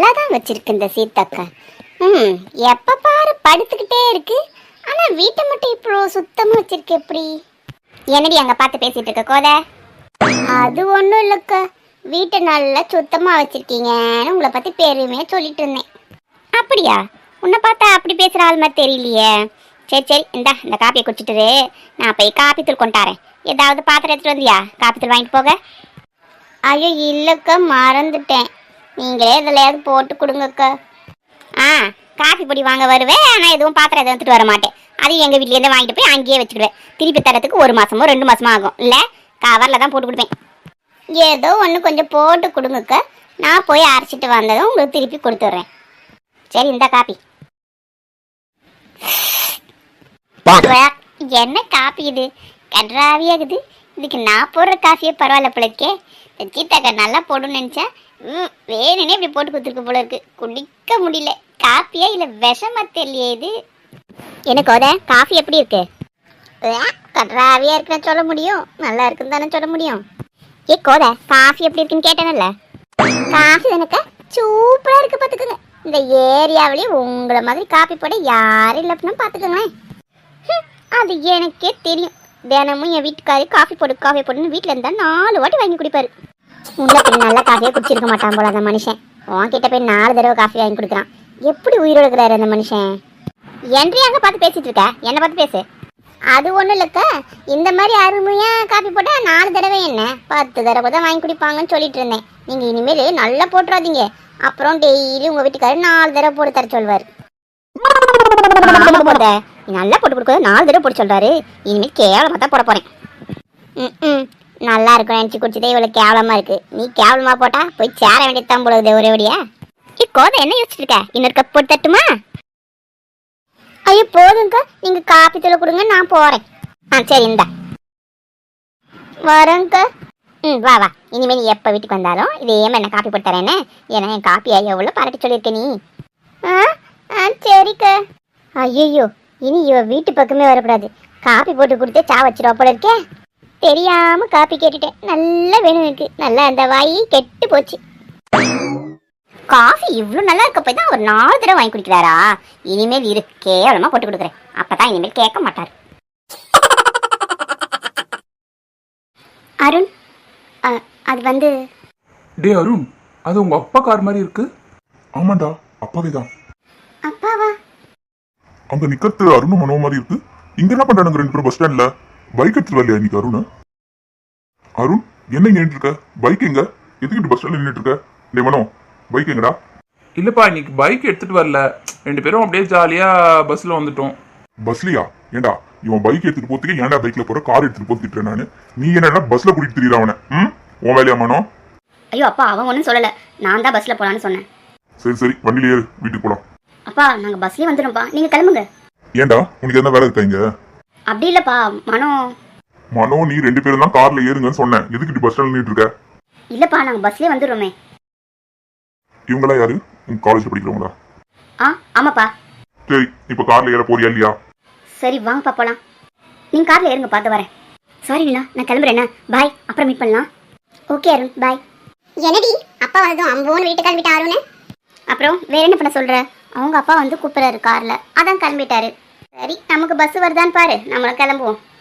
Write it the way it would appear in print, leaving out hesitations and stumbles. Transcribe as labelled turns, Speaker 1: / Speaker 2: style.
Speaker 1: நல்லா தான் வச்சிருக்கு இந்த சீத்தக்கா. எப்ப பாரு படுத்துக்கிட்டே இருக்கு. ஆனா வீட்டை மட்டும் இப்போ சுத்தமா வச்சிருக்கு எப்படி? என்னடி அங்க பார்த்து பேசிட்டு இருக்க கோதை? அது ஒன்றும் இல்லைக்கா, வீட்டை நல்லா சுத்தமாக வச்சிருக்கீங்கன்னு உங்களை பற்றி பெருமையாக சொல்லிட்டு இருந்தேன். அப்படியா? உன்னை பார்த்தா அப்படி பேசுகிற ஆள் மாதிரி தெரியலையே. சரி சரி, இந்த காப்பியை குடிச்சிட்டு நான் போய் காப்பி தூள் கொண்டாறேன். ஏதாவது பாத்திரம் எடுத்துகிட்டு வந்தியா காப்பி தூள் வாங்கிட்டு போக? ஐயோ இல்லைக்கா, மறந்துட்டேன். நீங்களே எதுலையாவது போட்டு கொடுங்கக்கா. காஃபி பொடி வாங்க வருவேன், ஆனால் எதுவும் பாத்திரம் எதுவும் எடுத்துகிட்டு வர மாட்டேன். அதையும் எங்கள் வீட்லேருந்து வாங்கிட்டு போய் அங்கேயே வச்சுக்கிடுவேன். திருப்பி தரத்துக்கு 1 மாதமோ 2 மாதமோ ஆகும். இல்லை கவரில் தான் போட்டு கொடுப்பேன். ஏதோ ஒன்று கொஞ்சம் போட்டு கொடுங்கக்கா, நான் போய் அரைச்சிட்டு வந்ததும் உங்களுக்கு திருப்பி கொடுத்துட்றேன். சரி, இந்த காப்பி. என்ன காப்பி இது? கன்றாவியாகுது. இதுக்கு நான் போடுற காஃபியே பரவாயில்ல போலக்கே. சீத்தாக்கா நல்லா போடணும்னு நினச்சேன். வேணுன்னே இப்படி போட்டு கொடுத்துருக்கு போல இருக்கு. குடிக்க முடியல. காப்பியா இல்லை விஷமா தெரியலையே இது. எனக்கு ஓத காஃபி எப்படி இருக்கு? கன்றாவியா இருக்குன்னு சொல்ல முடியும், நல்லா இருக்குன்னு தானே சொல்ல முடியும். ஏ கோத, காஃபி எப்படி இருக்குன்னு கேட்டேன்ல. காஃபி எனக்கு சூப்பரா இருக்கு பாத்துக்கோங்க. இந்த ஏரியாவிலேயே உங்களை மாதிரி காஃபி போட யாரும் இல்லை அப்படின்னா பாத்துக்கோங்களேன். அது எனக்கே தெரியும். தினமும் என் வீட்டுக்காரி காஃபி போடுன்னு வீட்டில் இருந்தால் 4 வாட்டி வாங்கி குடிப்பாரு. உள்ள போய் நல்ல காஃபியே குடிச்சிருக்க மாட்டான் போல அந்த மனுஷன். உன்கிட்ட போய் 4 தடவை காஃபி வாங்கி கொடுக்குறான். எப்படி உயிரோடு இருக்கிறாரு அந்த மனுஷன்? என்றே அங்கே பார்த்து பேசிட்டு இருக்க, என்னை பார்த்து பேசு. அது ஒன்றும் இல்லைக்கா, இந்த மாதிரி அருமையாக காஃபி போட்டால் 4 தடவை என்ன 10 தடவை தான் வாங்கி குடிப்பாங்கன்னு சொல்லிட்டு இருந்தேன். நீங்கள் இனிமேல் நல்லா போட்டுறாதீங்க. அப்புறம் டெய்லி உங்கள் வீட்டுக்காரர் 4 தடவை போட்டு தர சொல்வார். நல்லா போட்டு கொடுக்க 4 தடவை போட்டு சொல்கிறாரு. இனிமேல் கேவலமாக தான் போட போகிறேன். நல்லா இருக்கும் நினச்சி குடிச்சதே இவ்வளோ கேவலமாக இருக்குது. நீ கேவலமாக போட்டால் போய் சேர வேண்டியது தான் போடுது ஒரே ஒடியா. கோதை என்ன யோசிச்சுட்டு இருக்க? இன்னொரு கப் போட்டு தட்டுமா? ஐயோ போதுங்கக்கா, நீங்கள் காப்பி தூள் கொடுங்க, நான் போகிறேன். சரி இந்தா வரேங்க்கா. வா வா, இனிமேல் நீ எப்போ வீட்டுக்கு வந்தாலும் இதே மாதிரி என்ன காப்பி போட்டு தரேன்னு. ஏன்னா என் காப்பியா எவ்வளோ பாராட்டி சொல்லியிருக்க நீ. சரிக்கா. ஐயோ, இனி இவ வீட்டு பக்கமே வரக்கூடாது. காப்பி போட்டு கொடுத்து சா வச்சிருவா போல இருக்கே. தெரியாமல் காப்பி கேட்டுட்டேன். நல்லா வேணும் எனக்கு. நல்லா அந்த வாயி கெட்டு போச்சு. காஃபி இவ்வளோ நல்லா இருக்க போய் தான் ஒரு 4 தடவை வாங்கி குடிக்கிறாரா? இனிமேல் கேவலமாக போட்டு கொடுக்குறேன். அப்போ தான் இனிமேல் கேட்க மாட்டார். அருண், அது வந்து
Speaker 2: டே அருண், அது உங்க அப்பா கார் மாதிரி இருக்கு.
Speaker 3: ஆமாண்டா, அப்பாவே தான்.
Speaker 1: அப்பாவா?
Speaker 3: அங்க நிக்கிறது அருணும் மனோ மாதிரி இருக்கு. இங்க என்ன பண்றானுங்க 2 பேரும் பஸ் ஸ்டாண்ட்ல? பைக் எடுத்துட்டு வரலையா இன்னைக்கு அருண்? அருண் என்ன இங்க நின்று இருக்க? பைக் எங்க? எதுக்கிட்டு பஸ் ஸ்டாண்ட்ல நின்றுட்டு இருக்க? டே மனோ, பைக் எங்கடா?
Speaker 2: இல்லப்பா, இன்னைக்கு பைக் எடுத்துட்டு வரல. 2 பேரும் அப்படியே ஜாலியா பஸ்ல வந்துட்டோம்.
Speaker 3: பஸ்லயா? ஏண்டா இவன் பைக் எடுத்துட்டு போறதுக்கு ஏன்டா பைக்ல போற, கார் எடுத்துட்டு போக திட்டுறேன் நானு. நீ என்னடா பஸ்ல கூட்டிட்டு திரியற அவனை? உன் வேலையா மனோ?
Speaker 1: ஐயோ அப்பா, அவன் ஒன்றும் சொல்லல. நான் தான் பஸ்ல போலான்னு சொன்னேன்.
Speaker 3: சரி சரி, வண்டியில ஏறு, வீட்டுக்கு போலாம்.
Speaker 1: அப்பா நாங்க பஸ்லயே வந்துடும்ப்பா, நீங்க கிளம்புங்க.
Speaker 3: ஏண்டா உனக்கு என்ன வேலை இருக்கா இங்க?
Speaker 1: அப்படி இல்லப்பா,
Speaker 3: மனோ நீ 2 பேரும் தான் கார்ல ஏறுங்கன்னு சொன்னேன். எதுக்கு பஸ் ஸ்டாண்ட்ல நின்னுட்டு இருக்க?
Speaker 1: இல்லப்பா, நாங்க பஸ்லயே வந்துடுறோமே.
Speaker 3: இவங்களா யாரு? உங்க காலேஜ் படிக்கிறவங்களா?
Speaker 1: ஆமாப்பா.
Speaker 3: சரி, இப்ப கார்ல ஏற போறியா இல்லையா?
Speaker 1: சரி வாங்கப்பா போலாம். நீங்க கார்ல ஏறுங்க, பார்த்து வரேன். சாரி நீலா, நான் கிளம்புறேன். பாய், அப்புறம் மீட் பண்ணலாம். Okay Arun, bye. என்னடி அப்பா வந்ததும் அம்போன்னு வீட்டுக்கு கிளம்பிட்டா அருண்? அப்புறம் வேற என்ன பண்ண சொல்ற? அவங்க அப்பா வந்து கூப்பிடுறாரு கார்ல, அதான் கிளம்பிட்டாரு. சரி, நமக்கு பஸ் வருதான்னு பாரு, நம்மளும் கிளம்புவோம்.